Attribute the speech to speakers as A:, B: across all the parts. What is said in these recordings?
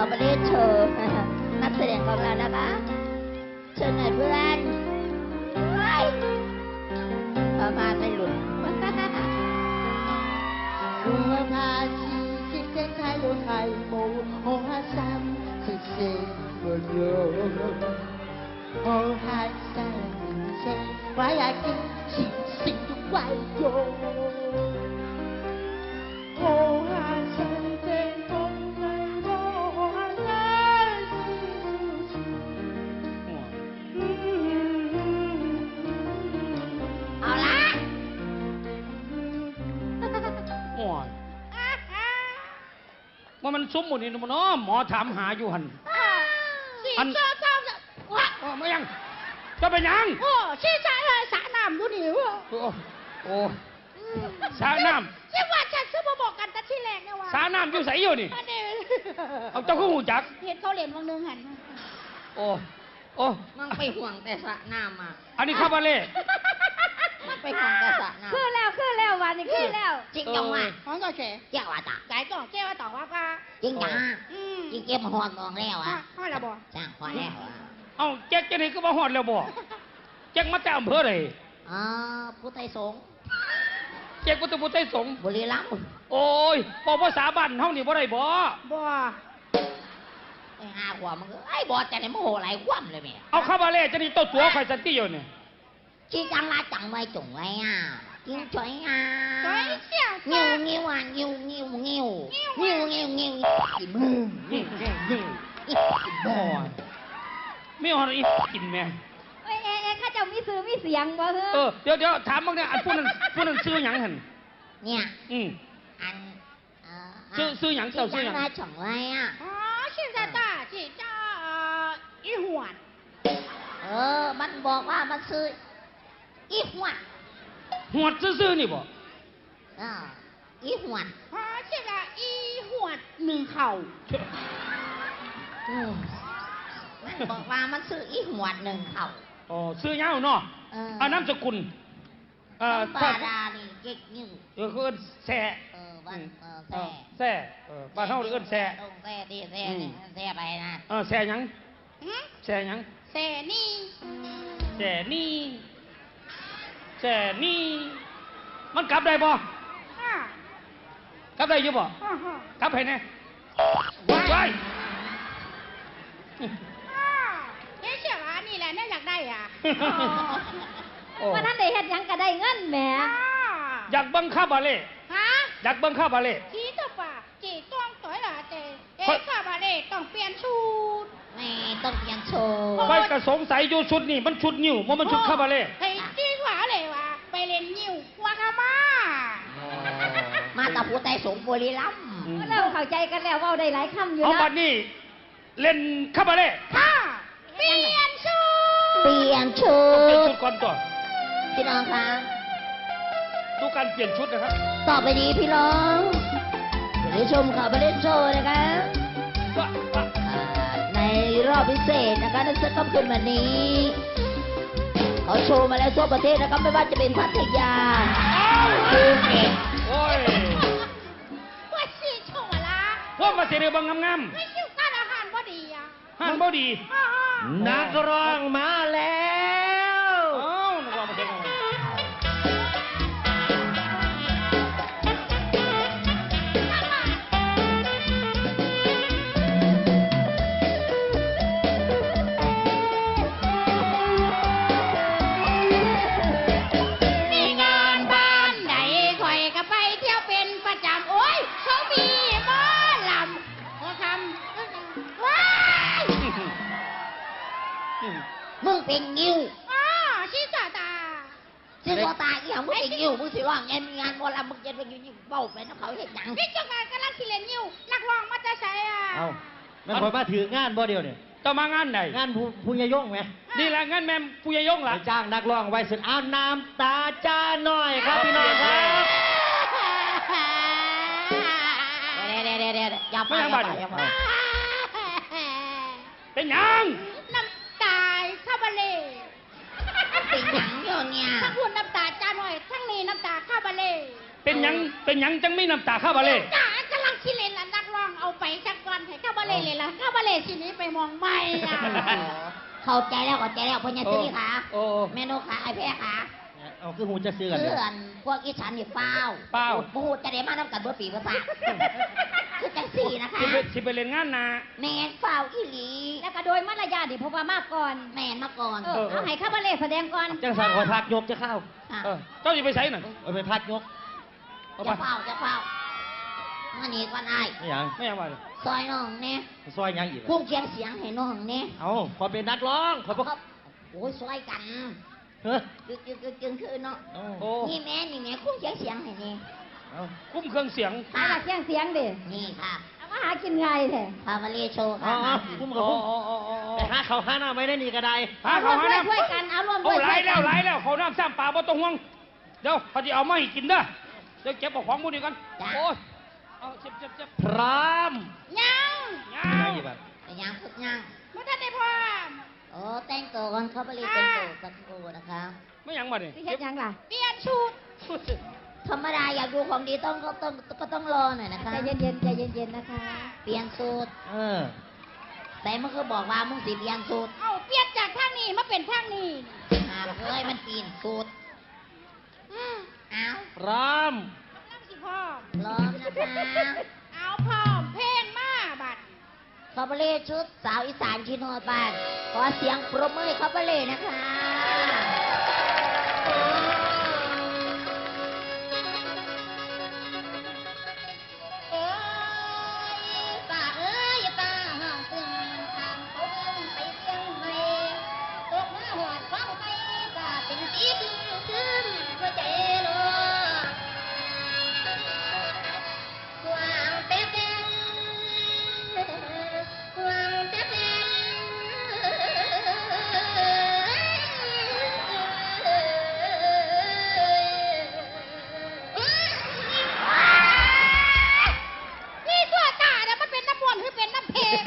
A: บาเล่โชว์นักแสดงของเรานะคะเชิญหน่อยเพื่อนประมาณไม่หลุด
B: 我那是今天开了开幕，我下山是谁个哟？我下山是谁？我也见星星都怪哟。我下山的风来我下
A: เอาละ
C: โอ้ยว่ามันซุ้มหมดนี่มันน้อหมอถามหาอยู่หัน
B: อันเจ้าว่า
C: โอ้ไม่ยังจะเป็นยัง
B: โอ้ชี้สาเลยสาน้ำดูหนิว
C: โอ้สาน้
B: ยังว่าฉันซื้อมาบอกกันแต่ที่แรกเนี่ยว่า
C: ำสาน้ำอยู่ใสอยู่นี่
B: อันนี้
C: เอาเจ้าคู่หูจัก
B: เห็นเขาเรียนวังนึงหัน
C: โอ้
A: มึงไปห่วงแต่สระน้ำอ่ะ
C: อันนี้คาบาเล่
A: มึงไปห่วงแต่สระน้ำ
D: ขึ้นแล้ววันนี้ขึ้นแล้ว
A: จริงจังว่ะ
B: ของก็เฉย
A: เจ้าว่าตา
B: ไก่ต่อแก้วต่อว่าป้า
A: จริงจังจริงเก็บหอนมองแล้วอ่ะ
B: พ่อละบอก
A: จ้างพอแล้วอ่ะ
C: เอาแจ็คจะไหนก็มาหอดแล้วบ่แจ็คมาแต่อำเภอเลย
A: อ๋อผู้ไทยสงฆ์
C: แจ็คพุทธบุตรไต้สงฆ์
A: บุรีรัมย์
C: โอ้ยบอกภาษาบ้านเฮานี่บ่ได้บ่
B: บ่
A: ไอ้ห้าขวบมันก็ไอ้บอสจะไหนโมโหหลายคว่ำเลยแม่
C: เอาคาบาเล่จะนี่ตัวตัวใครสันติอยู่เนี่ย
A: ชี้จังละจังไว้จงไว้อ่ะจริงช่วยอ่ะ
B: สวยเสี่ยว
A: งิวอ่ะงิวอีมึง
C: นี่
A: อี
C: บ่ไม่เอาอีกินแม่
D: เอ้ข้าเจ้ามีซื้อมีเสียงบ่เฮ้
C: เดี๋ยวถามบ้างเนี่ยอันผู้นั้นซื้อหยังหั่น
A: เนี่ย อัน
C: ซื้อหยังเจ้าซื้อหยัง
A: ชี้จังละจังไว้อ่ะ
B: อ๋อชื่อตาชื่อเจ้าอีหวน
A: มันบอกว่ามันซื้ออีหวน
C: หวดซื้อๆนี่บ่
A: อีหวน
B: อ๋อชื่อละอีหวนหนึ่งเข่า
A: มันบอกว่ามันซื้ออีหวนหนึ่งเข่า
C: อ๋อซื้อเหย้าเนาะอันนามสกุล
A: บาดานี่เก๊กยิ่ง
C: เขาเอิ้นแซ่
A: บ้าน
C: แซ่บ้านเฮาเอิ้นแซ่
A: ต้องแซ่ดิแซ่เนี่ยแซ่ไปนะ
C: แซ่หยังแซ่หยัง
B: เสนี่
C: แซ่นี่มันกลับได้บ่
B: ฮ่าก
C: ลับได้อยู่บ่
B: ฮ่าฮ่าก
C: ลับให้แน่ไว้
B: เอ๊ะเชื่อว่านี่แหละน่าอยากได้อ่ะ
D: ว่าท่านได้เฮ็ดหยังก็ได้เงินแหม
C: อยากเบิ่งคาบาเล่
B: ฮะ
C: อยากเบิ่งคาบาเล่
B: จีตัวป่ะจีต้องต่อยละเจข้าบาเล่ต้องเปลี่ยนชุด
A: ไม่ต้องเปลี่ยนโชว์
C: ไว้ก็สงสัยอยู่ชุดนี่มันชุดนิ้วมันชุดคาบาเล่
B: เฮ้ยจีหวาเลยว่ะไปเล่นนิ้ววากามา
A: มาตะพูไตสงบุรีรัมย์
D: เริ่มเข้าใจกันแล้วเว่าได้หลายคำอยู่
C: เอา
D: นะ
C: บัดนี้เล่นคาบาเล่
B: ค่ะเปลี่ยนชุด
A: เปลี่ยนชุ
C: เป็น
A: ด
C: ชุดก่อนตัว
A: พี่น้องคะ
C: ดูการเปลี่ยนชุดนะครับ
A: ต่อไปนี้พี่น้องจะได้ชมข่าวประเด็นโชว์นะคะ ในรอบพิเศษนะคะในค่ำคืนวันนี้เขาโชว์มาแล้วทั่วประเทศนะครับไม่ว่าจะเป็นพัทยาภูเก็ต
C: โอ้ย
B: ว่าชีโชว์ละ
C: พวกมาเสียเรือบางงาม
B: ไม่คิวการอาหารบ่ดีอ่ะ
C: ๆห้างบ่ดี
E: นักร้องมาแล้ว
C: เอ้านักร้องมาเสียงอะไร
B: มีงานบ้านไหนคอยก็ไปเที่ยวเป็นประจำโอ้ยเขามีหมอลำเขาทำว้าย
A: มึงเป็นงิ้ว
B: อ๋อชิสาตา
A: ซึ่งก็ตายอีหยังมึงเป็นงิ้วมึงสิร้องงานวอลำมึงจะไปยิ่งเบ้าไปน้ำเขาเห็นหยัง
B: พี่เจ้างานกำลังสิเลนนิ้วนักร้องมาจะใช้อ่ะ
E: เอาแม่นคอยมาถืองานบ่เดียวเนี่ย
C: จะมางานไหน
E: งานผู้ยายงไหม
C: นี่แหละงานแม่ปุยยง
E: ไป
C: ล่ะ
E: จ้างนักร้องไว้สุดเอาน้ำตาจ้าหน่อยครับพี่น้องครับ
A: เดี๋ยวอย่าไปอย่าไป
C: เป็นหยัง
B: น้ำตาคาบาเล่
A: เป็นหยังอยู่เนี่ย
B: ทั้งคุณน้ำตาจ้าหน่อยทั้งนี้น้ำตาคาบาเล่
C: เป็นหยังจังไม่น้ำตาคาบาเล่
B: จ้ากำลังสิเลนนักร้องเอาไปจักก่อนให้คาบาเล่
D: เล่เลยล่ะคาบาเล่สินี้ไปมองไม่อ่ะ
A: เข้าใจแล้วพญาสิริขา
C: โอ้
A: เมนูขาไอ้แพ้ขา
E: เอาคือหูจะซื้อกัน
A: เพื่
E: เดี๋ยว
A: อนพวกอีฉันนี่เฝ้า
C: เป้า
A: พูดจะได้มาน้ำกันเบิดปีภาษาคือจังสี่นะคะ
C: สิไปเล่นงานนา
A: แมนเฝ้าอีหลี
D: แล้วก็โดยมารยาทดิเพราะว่ามากก่อน
A: แมนมาก่อน
D: เอาให้คาบาเล่แสดงก่อน
E: จังสันคอยพักยกจะเข้า
A: ค่ะ
C: เจ้าจะไปใช้หน่อย
E: เอาไปพักยก
C: เอาไป
A: จะเฝ้ามานี่ก่อนไอ้
E: ไม่หยัง
C: ไม่เอาไปเลย
A: ซอยน้องเนี่ย
E: ซอยหยังอีก
A: พุ่งเคียงเสียงให้น้องเนี่ย
E: เอาขอเป็นนักร้องขอบอก
A: โอ้ยซอยกัน
E: เฮ้ย
A: จึงคือเนาะ
E: เอา
C: โอ้
A: นี่แม่พุ่งเคียงเสียงให้นี่
E: เอา
C: คุ้มเครื่องเสียง
D: เอาล่ะเสียงเสียงดิ
A: นี่ค่ะ
D: เอามาหากินไงแท้
A: พาวาเลโชว์
E: เอา
A: ค่ะ
E: เอาคุ้มกับ
C: โอ้
E: คุ้ม
C: โอ้โอ้โอ้
E: ไปหาเขาหาหน้าไม่ได้นี่ก็ได้
C: หา
D: เอาร่
C: เขา
D: วม
C: หา
D: ด้วย
C: น้ำ
D: ช่วยกันเอาร่วมด้
C: โอ้
D: วย
C: ไหล
D: ช่วย
C: แล้
D: กั
C: วน ไหลแล้วเขาน้ำซ้ำปลาบ่ต้องห่วงเดี๋ยวเขาจะเอามาให้กินเด้อเดี๋ยวเก็บเอาของมูนี่กันโอ้ยเอาเจ็บ
E: พร้อม
D: ยัง
C: ยา
E: ไม่
C: ว
E: กี่บาท
A: แต่ยังฝึกยัง
D: บ่ทันได้พร้อม
A: โอ้แต่งตัวก่อนเขาไปเรียนแต่งตัวสักครู่นะคะ
C: ไม่ยังมาเนี่ย
D: สิเฮ็ดหยังล่ะเปลี่ยนชุด
A: ธรรมดาอยากดูของดีต้องรอหน่อยนะคะ
D: ใจเย็นๆใจเย็นๆนะคะ
A: เปลี่ยนสูตร
E: เออ
A: แต่มันคือบอกว่ามึงสิเปลี่ยนสูตร
D: เอาเปลี่ยนจากทางนี้มาเป็นทางนี้
A: หากเอ้ยมันปีนสูตรเอา
E: พร้อม
D: นั่งสิพร้อม
A: พร้อมนะคะ
D: เอาพร้อมเพลงมาบัด
A: เขาไปเรียนชุดสาวอีสานชิโนบานขอเสียงปรบมือให้เขาไปเลยนะคะ
D: เอ้ยป้าเอ้ยป้าห้องซึ่งทางเขาเบิ่งไปเสียงให้ตกมาหอดฟังไปป้าเป็นสีดึงซึมหัวใจโลกวางเป๊ะกวางเป๊นี่ตัวตาเนี่ยมันเป็นน้ำมวนต์หรือเป็นน้ำเพลง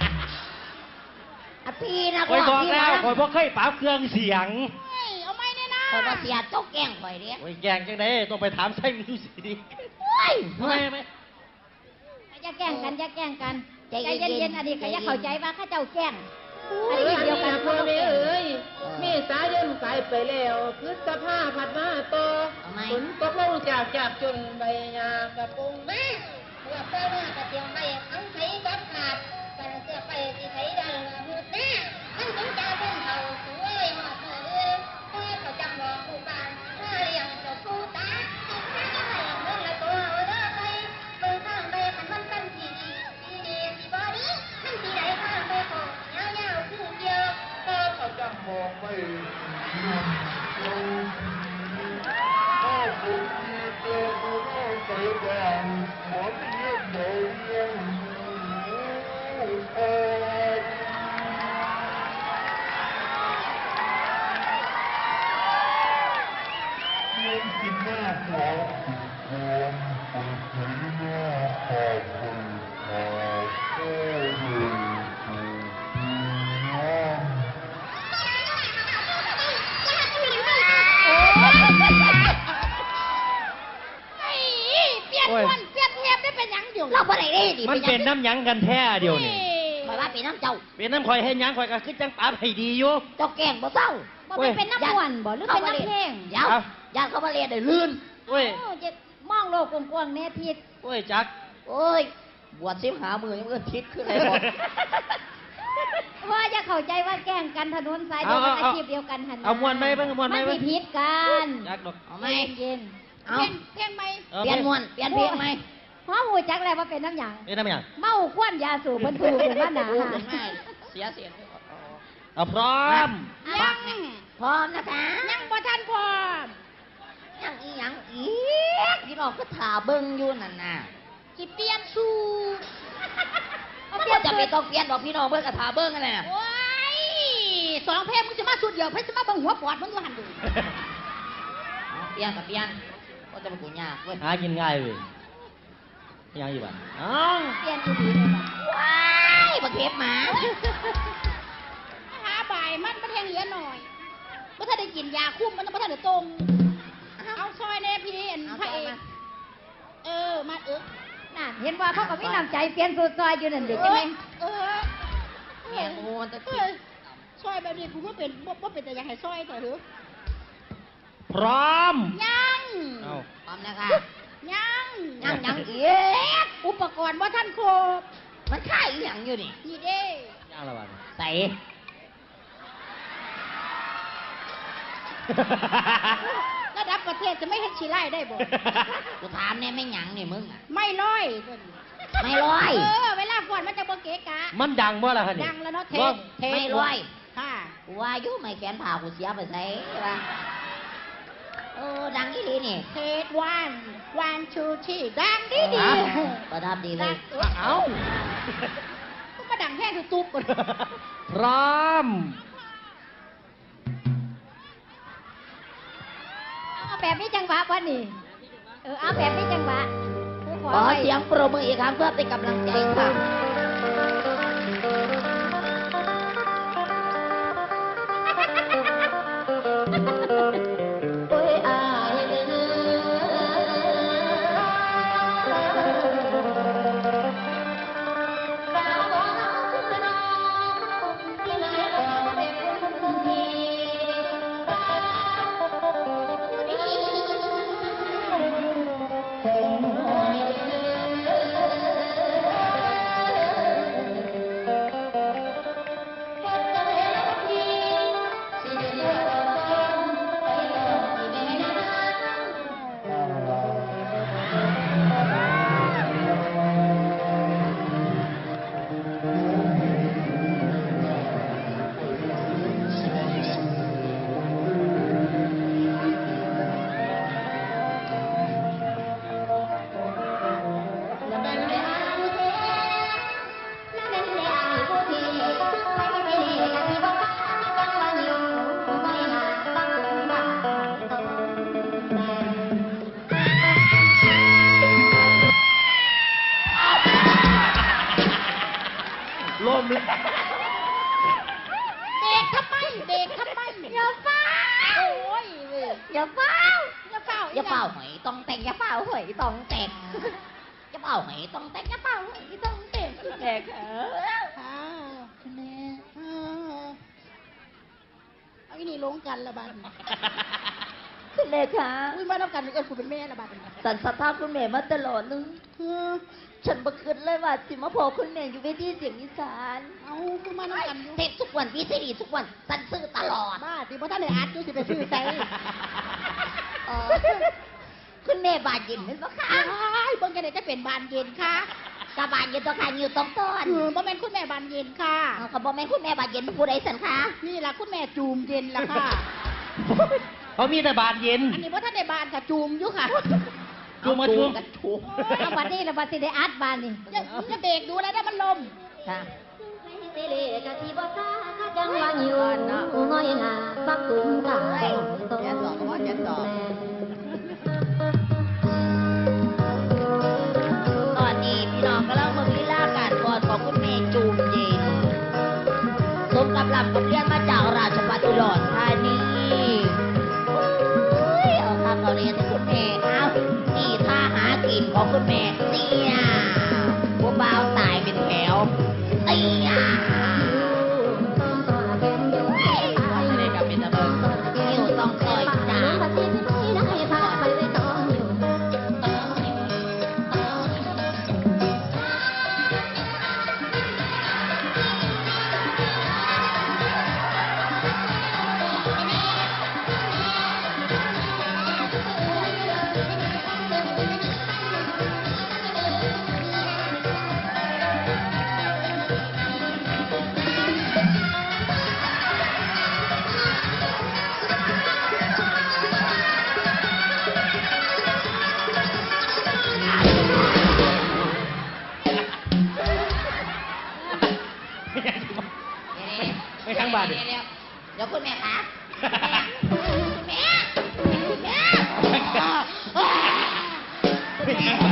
A: อ่ะพี่นะ
E: คอยบอก
A: พี่
E: แล้ว
A: นะ
E: คอยบอกเคยปราบเครื่องเสียง
D: เฮ้ยเอาไม่เนี่ยนะ
A: คอยว่าเสียเจ้าแกล้งคอยเด้
E: โอ้ยแกงจังไดต้องไปถามไส้มิวสิก
A: โอ้ย
E: ทำไมไหม
D: อย่าแกล้งกันอย่าแกล้งกัน
A: ใจ
D: ใจ
A: เย็นๆ
D: เย็นๆอันนี้ก็อย่าเข้าใจว่าข้าเจ้าแกล้งอัน
B: เอ้
D: นี้
B: ย
D: เดียวกัน
B: พ่อแม่เอ้ย
A: เออ
B: เมษายนไปไปแล้วพฤษภาผัดมาต่อ
A: เอาไหม
B: ฝนตกลงจากจนใบหญ้ากระปงแม่
D: เมื่อเจ้าหน้ากระเทียมไปทั้งไทยกับขาดกันเสื้อไปที่ไทยดังมืดแน่ทั้งถึงเจ้าเป็นเท่าสวยหอดเมื่อเมื่อเขาจำบอกผู้บ้านเมื่อเลี้ยงเจ้าผู้ตาที่ข้าจะให้เมื่อละตัวเด้อไปเบิ่งทางไปขันมันเป็นที่ดีสิบอดีมันที่ไหนทางไปของยาวๆคือเดียวก็เขาจำบอกไป ไอ้เปลี่ยนวันเปลี่ยนเทปได้เป็นหยังอยู่
A: เราบ่ได้เด้ดิ
E: มันเป็นน้ำหยังกันแท้เดียวนี่
A: คอยว่าเป็นน้ำเจ้า
E: เป็นน้ำข่อยให้หยังข่อยก็คือจังปราบให้ดีอยู่
A: เจ้าแกล้งบ่เศร้า
D: บ่ไปเป็นน้ำม่วนบ่หรือเป็นน้ำเพลง
A: เดี๋ยวญาติเขามาเรียนได้ลื่น
E: โอ้ย
D: โอ้จะมองโลกกว้างๆแน่ทิศ
E: โอ้ยจัก
A: โอ้ย บวชซิมหามือยังเอื้อนทิศขึ้นเลยบอก
D: ว่าจะเข้าใจว่าแกล้งกันถนนสายเดียวกันอาชีพเดียวกันหัน
E: เอามวนไหมเบิ่งมวนไหม
D: มัน
E: เบิ่
D: สิ
E: ง
D: ผิดกัน
E: จักดอก
A: เอาไหม
D: เย็น
A: เอา
D: เพลงไหม
A: เปลี่ยนมวนเปลี่ยนเพลงไหม
D: เพราะหูจักแล้วว่าเป็นน้ำหยัง
E: เป็นน้ำหยัง
D: เมาควนยาสูบมันถูกเป็นว่าหนา
A: พูดเป็นไงเสียเสียง
E: เอาพร้อม
D: ยัง
A: พร้อมนะคะ
D: ยังบ่ทันพร้อม
A: ยังอีหยังอีกพี่น้องก็ถ่าเบิ้งอยู่นั่นน่ะ
D: สิเปลี่ยนสูตร
A: มันก็จะไปต้องเปลี่ยนบอกพี่น้องเบิ้งกับถ่าเบิ้งกันเลยน่ะ
D: โอ้ยสองเพลงมึงจะมาสุดเดียวเพิ่นจะมาเบิ่งหัวปอดมึงอยู่หันดู
A: เอาเปลี่ยนกับเปลี่ยนก็จะมากูยากเว้ย
E: หากินง่ายเว้ยยังอยู่บ้านเอ้า
D: เปลี่ยนอยู่ดีเลยบัด
A: ว้ายบักเทปหมา
D: หาบ่ายมันบ่แทงเหลือหน่อยบ่ทันได้กินยาคุมมันบ่ทันได้ตรงเอาซอยแน่พี่เห็นพระเอกมามา
A: น่ะเห็นว่าเขาก็มีน้ำใจเปลี่ยนสูตรซอยอยู่นั่นเด็กใช่ไหม
B: แม่โอ้ตะกี้ซอยแบบนี้กูก็เป็นบ่เป็นแต่อยากให้ซอยแต่เหรอ
E: พร้อม
B: ยัง
E: เอา
A: พร้อมนะคะ
B: ยัง
A: อีก
B: อุปกรณ์ว่าท่านครบ
A: มันค่ายอีหยังอยู่นี่
B: นี่เด้
E: ย่างละวัน
A: ใส่
B: ระดับประเทศจะไม่เห็นชีไล่ได้บ่
A: กูถามเนี่ยไม่หยังนี่มึงอ่ะ
B: ไม่ร้อย
A: ไม่ร้อย
B: เวลาก่อนมันจะบ่เกะกะ
E: มันดังบ่ล่ะคะนี่
B: ดังแล้วเนาะเท
E: ว่า
B: ปเทป
A: ไม่ร้อย
B: ค่ะ
A: กูว่าอยุ่ไม่แขนผ่ากูเสียไปใส่ป่ะดังอีหลีนี่
B: เทปวันชูที่ดังดี
A: ประทับดีเลย
E: เอา
B: ก็มาดังแค่คือตุ๊บก่อน
E: พร้อม
A: เอาแบบนี้จังหวะวะนี่เอาแบบนี้จังหวะขอเสียงปรบมืออีกครั้งเพื่อเป็นกำลังใจค่ะโอ้ยอายเด้อกราบขอคุณน้องที่ไหนเราเป็นคนดี
E: ลมเลย
B: เบรกทำไมอย่าฟ้าโอ้ยเว้ย
A: อย่าเฝ้า
B: อย่าฟ้า
A: อย่าเฝ้าหอยต้องแต่งอย่าเฝ้าหอยต้องแต่งอย่าเฝ้าหอยต้องแต่งอย่าเฝ้าหอยต้องแต่งแม่ค่ะ
B: ค่ะคุณแม่เอาอีนี่ลงกันละบัน
A: คุณแม่ค่ะ
B: อุ้ยมาต้องกันเอิญกูเป็นแม่ละบัน
A: สันสภาพคุณแม่มาตลอดเลยฉันบัคิดเลยว่าสิมาพอคุณแม่อยู่เวทีเสียงอีสาน
B: เอาคือมาต้องกันอยู่
A: เทปทุกวันวีซีดีทุกวันสันซื้อตลอด
B: บ้าสิเพราะท่านได้อัดอยู่สิไปซื้อใจ
A: คุณแม่บาดเย็นเป็นปะคะ
B: อ้ายเบิ่งกันเลยจะเป็นบานเย็นค่ะ
A: กะบาดเย็นตัวค่ะอยู่ตรงต้น
B: บ่แม่นคุณแม่บานเย็นค่ะ
A: เอากระบอกแม่คุณแม่บาดเย็นผู้ใดสันคะ
B: นี่ล่ะคุณแม่จูมเย็นล่ะค่ะ
E: เขามีแต่บานเย็น
B: อันนี้เพราะท่านได้บานกับจูมอยู่ค่ะ
E: จูงมาจูง
A: กันถูกเอาบัดนี้แล้วบัดสิได้อัดบานนี่
B: อย่าเบรกดูแล้วได้มันลม
A: ค่ะ
F: จังหวะอยู่ง่อยหน้าบักกุมกาตรง
A: ตอนนี้พี่น้องกำลังเมืองลีลาการกอดของคุณแม่จูมเย็นสมกับลำกับเรียนมาจากราชภัฏอุดรธานีเอาข้าวเรียนที่คุณแม่เอานี่ท่าหากินของคุณแม่เนี่ยพวกบ่าวตายเป็นแถวเตี้ยเลยกับเป็นตะเบิงนิ้วต้องคอยจ้า
E: ไม่ทั้งบานดิ
A: เดี๋ยวคุณแม่คะคุณแม่คุณแม่คุณแม่
E: ไม่ทั้ง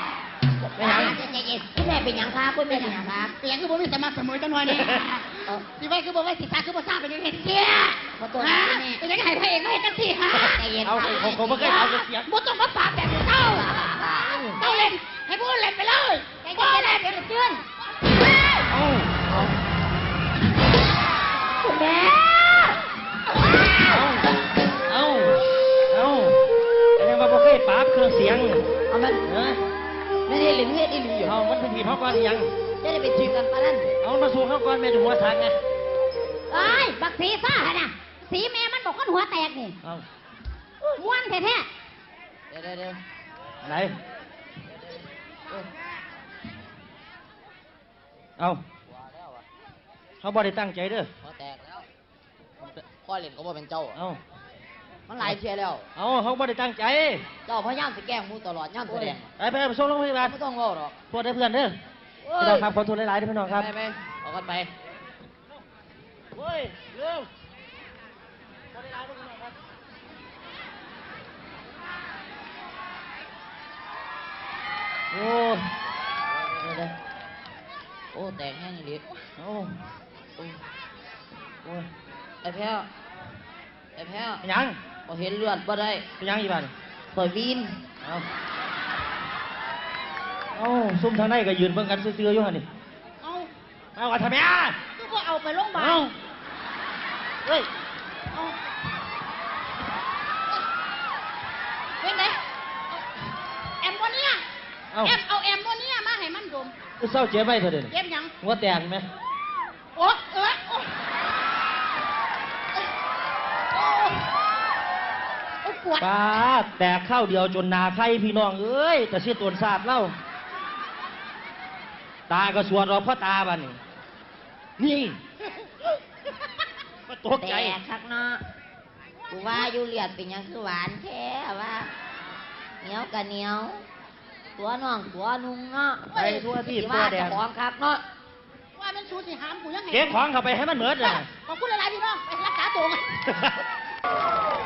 A: คุณแม่เป็นยังคะคุณแม่เป็นยังคะ
B: เสียงคือบ่มีสมัครเสมอจังหน่อยนี่สิไว้คือบ่ไว้สิตาคือบ่ทราบเป็นยังไงเสีย
A: ขอตัวนะคุณแม่
B: เป็นยังไงพระเอกไม่เห็นจังซี่ฮะ
A: ใจเย็น
E: เอา
A: ค่ะ
E: ผมไม่เคยเอาเสียง
B: บ่ต้องมาปากแบบเจ้าเล่น
A: ให้พูดเลยไปเลยใจเย็นๆนะเดี๋ยวจะเจือน
C: เอาเอา
A: คุณแม่
E: เอาอะไรมาบอกให้ปราบเครื่องเสียง
A: เอามัน
E: เออ
A: ไม่ได้หลิงเฮ็ดอีหลีอยู่
E: เอามันเป็นผีพ่อก่อนยัง
A: จะได้ไปทีมกันปะนั่น
E: เอามาสู่เขาก่อนแม่ดูหัวทางไง
A: เอ้ยบักสีฟ้าหะน่ะสีแม่มันบอกคนหัวแตกนี่
E: เอา
A: ม้วนแท้
B: เดี๋ยว
E: ไหนเอาเขาบ่ได้ตั้งใจเด้อ
B: พอแตกแล้วพ่อเล่นก็บ่เป็นเจ้า
E: เอา
B: มันหลายเชียแล้ว
E: เอาเขาบ่ได้ตั้งใจ
B: เจ้าพยายามสิแกล้งมูตลอดย่ามแสดง
E: ไปส่งโรงพยาบาล
B: ไม่ต้องเล่าหรอก
E: โทษได้เพื่อนเด้อพี่น้องครับขอโทษหลายๆด้วยพี่น้องครับ
B: ไปเอากันไป
E: เฮ้ยเร็วโอ้ยเดี๋ยว
B: โอ้แตกแห้งอีหลี
E: โอ้ยโอ้ย
B: ไอ้แพ้วไอ้แพ้ว
E: เป็นหยัง
B: บ่เห็นเลือดบ่ได้
E: เป็นหยังอีบ้าน
B: ปล่อยวีน
E: เอาซุ่มทางในก็ยืนเบิ่งกันซื่อๆอยู่หั่นนี่
A: ๆเอา
E: เอาว่าทำไมอ่ะ
A: คือพวกเอาไปโรงพยาบา
E: เอา
A: ล
E: เฮ้ย
A: เอาเป็นไงแอมโมเนีย
E: เอา
A: เอาแอมโมเนียมาให้มันดม
E: เศร้าเจ็บไหมเธอเดี๋ยวนี้
A: เย็บหยัง
E: หัวแตกไหม
A: โอ๊ะโอ๊ะปวด
E: ป้าแตกข้าวเดียวจนนาไข่พี่น้องเอ้ยแต่เสียตวนศาสตร์เล่าตาก็สวดรอพ่อตาบ้านนี่นี่มาตกใจ
A: แต่คักเนาะกูว่าอยู่เลียดเป็นหยังคือหวานแท้ว่าเหนียวกับเหนียว ตัวน้องตัวนุ่งเนาะ
E: ไปทั่วที่
A: สิ
E: ตัว
A: ว่า
E: แด
A: เจะ
E: ง
A: ของคักเนาะว่ามันสูสิหามกูยังไง
E: เก็บของเข้าไปให้มันเหมือดเลย
A: ขอบคุณหลายๆพี่น้องไปรักษาตัวกัน